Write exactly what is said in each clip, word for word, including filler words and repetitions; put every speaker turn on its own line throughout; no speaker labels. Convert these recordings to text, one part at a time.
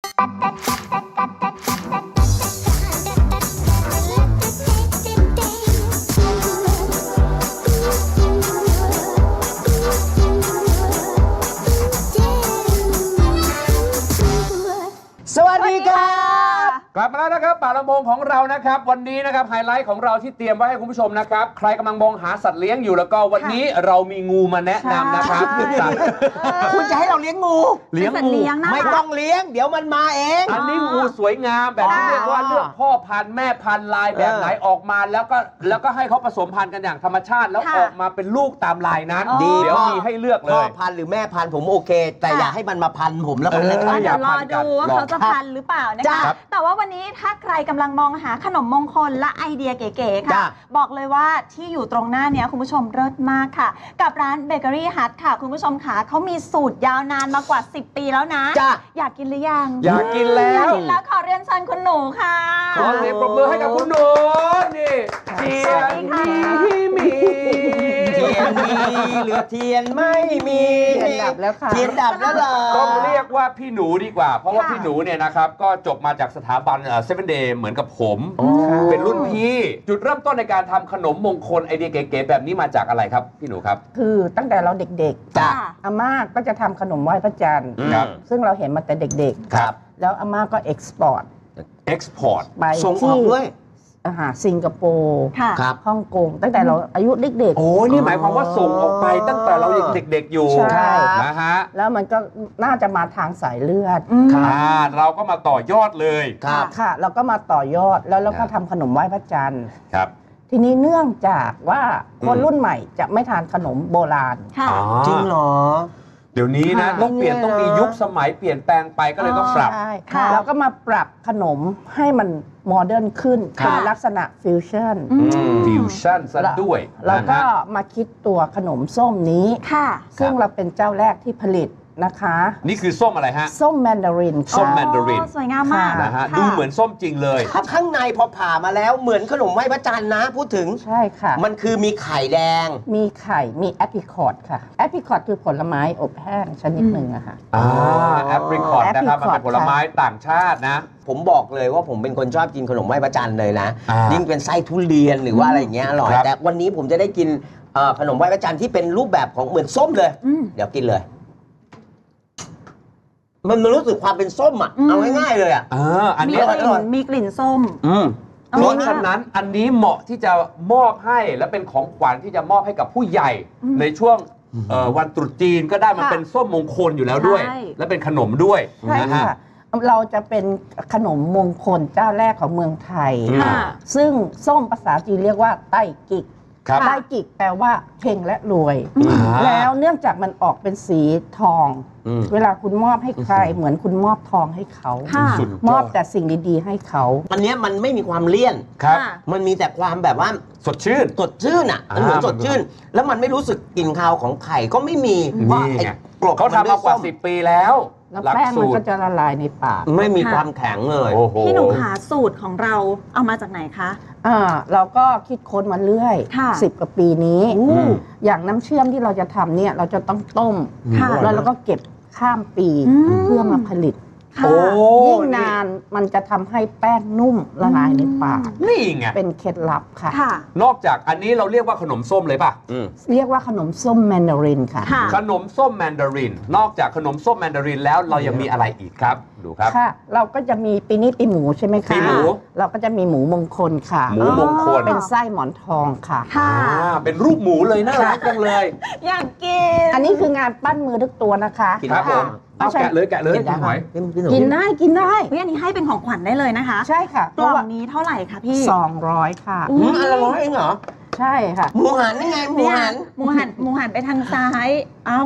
สวัสดีครับ
กลับมาแล้วนะครับป่าลำโพงของเรานะครับวันนี้นะครับไฮไลท์ของเราที่เตรียมไว้ให้คุณผู้ชมนะครับใครกำลังมองหาสัตว์เลี้ยงอยู่แล้วก็วันนี้เรามีงูมาแนะนำนะครับ
คุณจะให้เราเลี้ยงงู
เลี้ยงงู
ไม่ต้องเลี้ยงเดี๋ยวมันมาเอง
อันนี้งูสวยงามแบบที่เรียกว่าเลือกพ่อพันธุ์แม่พันธุ์ลายแบบไหนออกมาแล้วก็แล้วก็ให้เขาผสมพันธุ์กันอย่างธรรมชาติแล้วออกมาเป็นลูกตามลายนั้นเดี๋ยวมีให้เลือกเลย
พ่อพันธุ์หรือแม่พันธุ์ผมโอเคแต่อย่าให้มันมาพันผมแล้วกันนะครับ
เดี๋ยวรอดูว่าเขาจะพันหรือเปล่านะคะแต่ว่าวันนี้ถ้าใครกำลังมองหาขนมมงคลและไอเดียเก๋ๆค่ะบอกเลยว่าที่อยู่ตรงหน้านี้คุณผู้ชมเลิศมากค่ะกับร้านเบเกอรี่ฮัทค่ะคุณผู้ชมค่ะเขามีสูตรยาวนานมากว่าสิบปีแล้วนะอยากกินหรือยัง
อยากกินแล้ว
อยากกินแล้วขอเรียนเชิญคุณหนูค่ะ
ขอเสียงปรบมือให้กับคุณหนูนี่เทียนมีมี
เทียนมีเหลือเทียนไม่มี
เทียนดับแล้วค่ะ
เทียนดับแล้วเหรอ
ต้องเรียกว่าพี่หนูดีกว่าเพราะว่าพี่หนูเนี่ยนะครับก็จบมาจากสถาบันเซเว่นเดย์เหมือนกับผมเป็นรุ่นพี่จุดเริ่มต้นในการทำขนมมงคลไอเดียเก๋ๆแบบนี้มาจากอะไรครับพี่หนูครับ
คือตั้งแต่เราเด็กๆ
จ้ะ
อาม่าก็จะทำขนมไหว้พระจันทร์ซึ่งเราเห็นมาแต่เด็ก
ๆครับ
แล้วอาม่าก็เอ็กซ์พอร์ต
เอ็กซ์พอร์ต
ไป
ส่งออกด้วย
อาหารสิงคโปร์ฮ่องกงตั้งแต่เราอายุเด็กๆ
โอ้นี่หมายความว่าส่งออกไปตั้งแต่เรายังเด็กๆอยู่
ใช่
นะฮะ
แล้วมันก็น่าจะมาทางสายเลือด
ค่ะเราก็มาต่อยอดเลย
ครับค่ะเราก็มาต่อยอดแล้วเราก็ทำขนมไหว้พระจันทร์
ครับ
ทีนี้เนื่องจากว่าคนรุ่นใหม่จะไม่ทานขนมโบราณ
จริงเหรอ
เดี๋ยวนี้นะต้องเปลี่ยนต้องมียุคสมัยเปลี่ยนแปลงไปก็เลยต้องปรับ
เราก็มาปรับขนมให้มันโมเดิร์นขึ้นเป็นลักษณะฟิวชั่น
ฟิวชั่นซะด้วย
แล้วก็มาคิดตัวขนมส้มนี้ซึ่งเราเป็นเจ้าแรกที่ผลิตนะคะ
นี่คือส้มอะไรฮะ
ส้มแมนดาริน
ส้มแมนดาริน
สวยงามมาก
นะฮะดูเหมือนส้มจริงเลย
ข้างในพอผ่ามาแล้วเหมือนขนมไหว้พระจันทร์นะพูดถึง
ใช่ค่ะ
มันคือมีไข่แดง
มีไข่มีแอปริคอตค่ะแอปริคอตคือผลไม้อบแห้งชนิดหนึ่งอะค่ะ
อ่าแอปริคอตนะครับมันเป็นผลไม้ต่างชาตินะ
ผมบอกเลยว่าผมเป็นคนชอบกินขนมไหว้พระจันทร์เลยนะยิ่งเป็นไส้ทุเรียนหรือว่าอะไรอย่างเงี้ยอร่อยแต่วันนี้ผมจะได้กินขนมไหว้พระจันทร์ที่เป็นรูปแบบของเหมือนส้มเลยเดี๋ยวกินเลยมันรู้สึกความเป็นส้มอ่ะเอาง่ายๆเลยอ่ะ
อันนี้
มีกลิ่นส้ม
เพราะฉะนั้นอันนี้เหมาะที่จะมอบให้และเป็นของขวัญที่จะมอบให้กับผู้ใหญ่ในช่วงวันตรุษจีนก็ได้มันเป็นส้มมงคลอยู่แล้วด้วยและเป็นขนมด้วย
นะฮะเราจะเป็นขนมมงคลเจ้าแรกของเมืองไทยซึ่งส้มภาษาจีนเรียกว่าไต้กิกไต้กิกแปลว่าเฮงและรวยแล้วเนื่องจากมันออกเป็นสีทองเวลาคุณมอบให้ใครเหมือนคุณมอบทองให้เขามอบแต่สิ่งดีๆให้เขา
อันนี้มันไม่มีความเลี่ยน
ครับ
มันมีแต่ความแบบว่า
สดชื่น
สดชื่นอ่ะมันเหมือนสดชื่นแล้วมันไม่รู้สึกกลิ่นคาวของไข่ก็ไม่มี
เพราะเขาทำมากว่าสิบปีแล้ว
แล้วแป้งมันก็จะละลายในปาก
ไม่มีความแข็งเลย
พี่หนูหาสูตรของเราเอามาจากไหนคะ
อ่าเราก็คิดค้นมาเรื่อยสิบกว่าปีนี้อย่างน้ำเชื่อมที่เราจะทำเนี่ยเราจะต้องต้มแล้วเราก็เก็บข้ามปีเพื่อมาผลิตยิ่งนานมันจะทำให้แป้งนุ่มละลายในปาก
นี่ไง
เป็นเคล็ดลับค่ะ
นอกจากอันนี้เราเรียกว่าขนมส้มเลยป่ะ
เรียกว่าขนมส้มแมนดารินค่ะ
ขนมส้มแมนดารินนอกจากขนมส้มแมนดารินแล้วเรายังมีอะไรอีกครับดูครับ
ค่ะเราก็จะมีปีนี้ปีหมูใช่ไหมคะ
ปีหมู
เราก็จะมีหมูมงคลค่ะ
หมูมงคล
เป็นไส้หมอนทองค่ะ
ค่ะเป็นรูปหมูเลยน่ารักจังเลย
อยากกิน
อันนี้คืองานปั้นมือทุกตัวนะคะ
ครับผมเอาแกะเลยแกะเลย
กินได้กินได้กินได้
อันนี้ให้เป็นของขวัญได้เลยนะคะ
ใช่ค่ะ
กล่องนี้เท่าไหร่คะพี่
สองร้อยค่ะ
อืมอันละร้อยเองเหรอ
ใช่ค่ะ
หมูหันนี่ไงหมูหัน
หมูหันหมูหันไปทางซ้ายอ้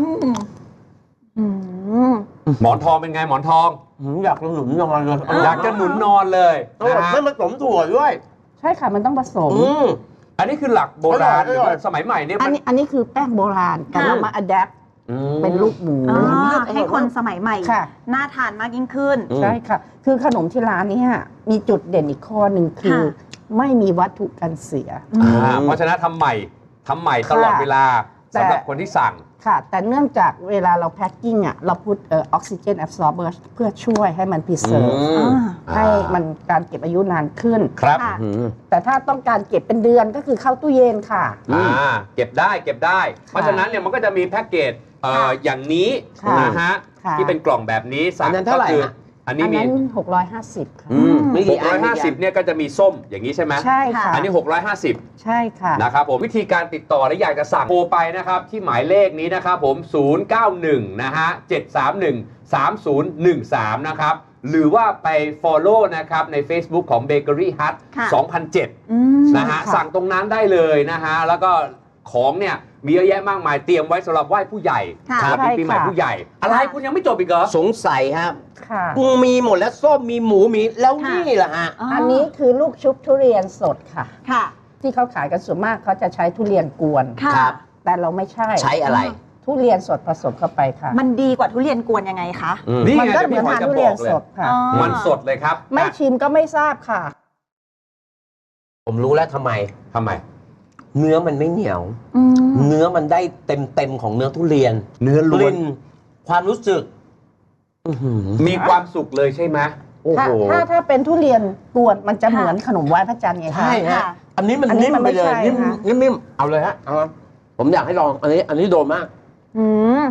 ำหมอนทองเป็นไงหมอนทอง
อยากจะหนุนนอนเลย
อยากจะหนุนนอนเลย
ไม่ผสมถั่วด้วย
ใช่ค่ะมันต้องผสม
อันนี้คือหลักโบราณสมัยใหม่เนี่ย
อันนี้อันนี้คือแป้งโบราณแต่เรามาอัดแอปเป็นลูกหมู
ให้คนสมัยใหม่น่าทานมากยิ่งขึ้น
ใช่ค่ะคือขนมที่ร้านนี้มีจุดเด่นอีกข้อหนึ่งคือไม่มีวัตถุกันเสีย
เพราะฉะนั้นทำใหม่ทำใหม่ตลอดเวลาสำหรับคนที่สั่ง
ค่ะ แต่เนื่องจากเวลาเราแพ็คกิ้งอ่ะเราพูดเออออกซิเจนแอบซอร์เบอร์เพื่อช่วยให้มันพิเศษ
อืม
ให้มันการเก็บอายุนานขึ้น
ครับ
ค่ะ
อืม
แต่ถ้าต้องการเก็บเป็นเดือนก็คือเข้าตู้เย็นค่ะ
อ่าเก็บได้เก็บได้ เพราะฉะนั้นเนี่ยมันก็จะมีแพ็กเกจเอ่อ
ค่ะ
อย่างนี้
ค่ะ
นะฮะ
ค่ะ
ที่เป็นกล่องแบบนี้สั่
อั
ง
นนั้นเท่าไหร่
ก็คือ
ฮะ
อันนี้
อัน
มี
นั้นหกร้อยห้าสิบค่ะ
อืมมีกี่อัน
หกร้อยห้าสิบเนี่ยก็จะมีส้มอย่างนี้ใช่ไหม
ใช่ค่ะ
อันนี้หกร้อยห้าสิบ
ใช่ค่ะ
นะครับผมวิธีการติดต่อและอยากจะสั่งโทรไปนะครับที่หมายเลขนี้นะครับผม ศูนย์ เก้า หนึ่ง นะฮะ เจ็ด สาม หนึ่ง สาม ศูนย์ หนึ่ง สาม นะครับ หรือว่าไป follow นะครับใน Facebook ของ Bakery Hut
ค่ะ
สองพันเจ็ด
อืม
นะฮะ
ค่ะ
สั่งตรงนั้นได้เลยนะฮะ แล้วก็ของเนี่ยมีเยอะแยะมากมายเตรียมไว้สำหรับไหว้ผู้ใหญ่
ค่ะ
สวัสดีปีใหม่ผู้ใหญ่ อะไรคุณยังไม่จบอีกเหรอ
สงสัยครับ
ค่ะ
มีหมดแล้วส้มมีหมูมีแล้ว
ค่ะ
นี่แหละฮะ
อันนี้คือลูกชุบทุเรียนสดค่ะ
ค่ะ
ที่เขาขายกันส่วนมากเขาจะใช้ทุเรียนกวน
ค่ะ
ครับ
แต่เราไม่ใช่
ใช้อะไร
ทุเรียนสดผสมเข้าไปค่ะ
มันดีกว่าทุเรียนกวนยังไงคะ
อืม
นี่
มัน
ไง
ก็
เดี๋ยว
เหมื
พี่
อน
หอย
ทาน
จะ
ทุ
บ
เรีย
อน กเล
ส
ย
ดค่ะ
อ๋อ
มันสดเลยครับ
ไม่
อ่ะ
ชิมก็ไม่ทราบค่ะ
ผมรู้แล้วทำไม
ทำไม
เนื้อมันไม่เหนียว
อืม
เนื้อมันได้เต็มเต็มๆของเนื้อทุเรียน
เนื้อล้วน
กลิ่นความรู้สึกอื้อหือ
มีความสุขเลยใช่ไหมโอ้
ถ้า
โห
ถ้าถ้าเป็นทุเรียนกวนมันจะเหมือนขนมไหว้พระจันทร์ไงคะ
ใช่ฮะ
ค่ะ
อันนี้มัน
อันนี้
นิ่ม
มัน
ไป
ไม่
เลย
ใช่
นิ่ม
ค่ะ
นิ่มๆเอาเลยฮะเอาผมอยากให้ลอง อันนี้ อันนี้โดนมาก
อืม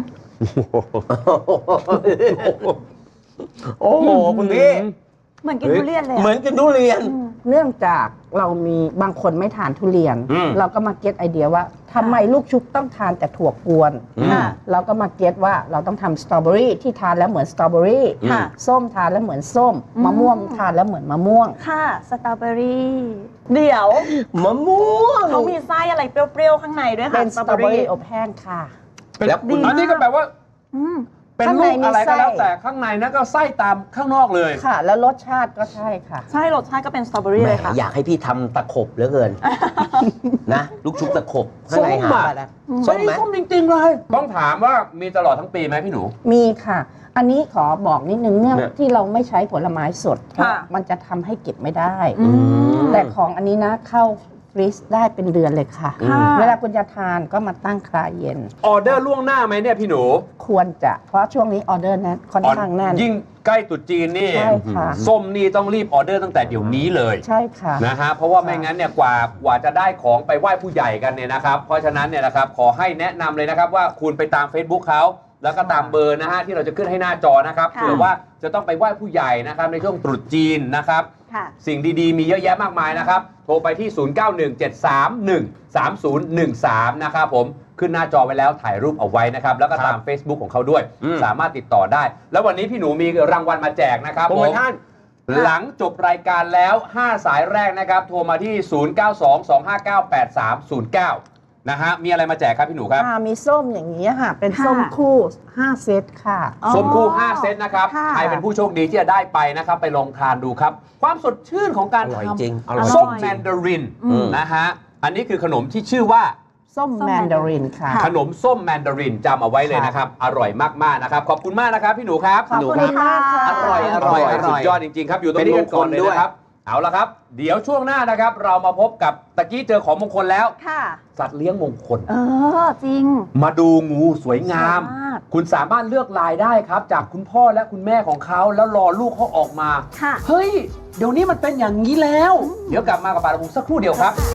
โอ้โหคุณพี่
เหมือนกินทุเรียนเลยอะ
เหมือนกินทุเรียน
อืม
เนื่องจากเรามีบางคนไม่ทานทุเรียน
อืม
เราก็มาเก็ตไอเดียว่าทำไมลูกชุบต้องทานแต่ถั่วกวน
อืม
ค่ะ
เราก็มาเก็ตว่าเราต้องทำสตรอเบอรี่ที่ทานแล้วเหมือนสตรอเบอรี่
ค่ะ
ส้มทานแล้วเหมือนส้ม
อืม
มะม่วงทานแล้วเหมือนมะม่วง
ค่ะสตรอเบอรี่ เดี๋ยว
มะม่วง
เขามีไส้อะไรเปรี้ยวๆ ข้างในด้วยค่ะ
เป็นสตรอเบอรี่อบแห้งค่ะ
แล้วคุณ
อันนี้ก็แปลว่า
อืม
เป็น
ข้าง
ลู
ใน
ก
มี
อะไรก็แล้ว
ไส้
แต่ข้างในนั้นก็ไส้ตามข้างนอกเลย
ค่ะ แล้วรสชาติก็ใช่ค่ะ
ใช่รสชาติก็เป็นสตรอเบอรี่
แหม
เลยค่ะ
อยากให้พี่ทำตะขบเหลือเกิน นะ ลูกชุบตะขบข้างในหา
ส้มอะ
ไปแล้ว
อืม
ส้มไหม
ส้มจริงๆเลย ต้องถามว่ามีตลอดทั้งปีไหมพี่หนู
มีค่ะ อันนี้ขอบอกนิดนึงเนื่อง
เนี่ย
ที่เราไม่ใช้ผลไม้สดเพราะ
ค่ะ
มันจะทำให้เก็บไม่ได้
อืม
แต่ของอันนี้นะเข้าฟรีซได้เป็นเดือนเลยค่ะ
ค่ะ
เวลาคุณจะทานก็มาตั้งคลายเย็น
ออเดอร์ล่วงหน้าไหมเนี่ยพี่หนู
ควรจะ เพราะช่วงนี้ออเดอร์แน่นค่อนข้างแน่น
ยิ่งใกล้ตรุษจีนนี่
ใช่ค่ะ
ส้มนี่ต้องรีบออเดอร์ตั้งแต่เดี๋ยวนี้เลย
ใช่ค่ะ
นะฮะเพราะว่าไม่งั้นเนี่ยกว่ากว่าจะได้ของไปไหว้ผู้ใหญ่กันเนี่ยนะครับ เพราะฉะนั้นเนี่ยนะครับขอให้แนะนำเลยนะครับว่าคุณไปตาม Facebook เขาแล้วก็ตามเบอร์นะฮะที่เราจะขึ้นให้หน้าจอนะครับ
ค่ะ
เผื่อว่าจะต้องไปไหว้ผู้ใหญ่นะครับในช่วงตรุษจีนนะครับ
ค่ะ
สิ่งดีๆ มีเยอะแยะมากมายนะครับ โทรไปที่ ศูนย์ เก้า หนึ่ง เจ็ด สาม หนึ่ง สาม ศูนย์ หนึ่ง สาม นะครับผมขึ้นหน้าจอไว้แล้วถ่ายรูปเอาไว้นะครับ แล้วก็ตาม Facebook ของเขาด้วย
อืม
สามารถติดต่อได้ แล้ววันนี้พี่หนูมีรางวัลมาแจกนะครับ
โปร
ผ
โม
ม
ชั่น
หลังจบรายการแล้ว ห้า สายแรกนะครับ โทรมาที่ ศูนย์ เก้า สอง สอง ห้า เก้า แปด สาม ศูนย์ เก้า นะฮะมีอะไรมาแจกครับพี่หนูครับ
อ่ามีส้มอย่างนี้ค่ะ เป็น
ค่ะ
ส้มคู่ห้าเซตค่ะ
อ๋อ
ส้มคู่ ห้า เซตนะครับ
ค่ะ
ใครเป็นผู้โชคดีที่จะได้ไปนะครับ ไปลองทานดูครับ ความสดชื่นของการ
อร่อย
ท
จริงอร่อย
ำส้ม
จริง
แมนดาริน
อืม
นะฮะ อันนี้คือขนมที่ชื่อว่า
ส้ม
ส้ม
แมนดารินค่ะ
ค่ะ
ขนมส้มแมนดารินจำเอาไว้เลยนะครับ อร่อยมาก ๆ นะครับ ขอบคุณมากนะครับพี่หนูครับ
ขอบคุณค่ะ
อร่อยอร่อยอร่
สุ
อ
ด
ย
ยอดจริง ๆ ครับ อยู่ตรงนี้กันก่อนเลย
เป็นมงคลด้วย
นะครับ เอาละครับ เดี๋ยวช่วงหน้านะครับ เรามาพบกับตะกี้เจอของมงคลแล้ว
ค่ะ
สัตว์เลี้ยงมงคล
เออ จริง
มาดูงูสวยงาม
สวยมาก
คุณสามารถเลือกลายได้ครับ จากคุณพ่อและคุณแม่ของเขาแล้วรอลูกเขาออกมา
ค่ะ
เฮ้ย เดี๋ยวนี้มันเป็นอย่างนี้แล้ว เดี๋ยวกลับมากับปาราบุสักครู่เดียวครับ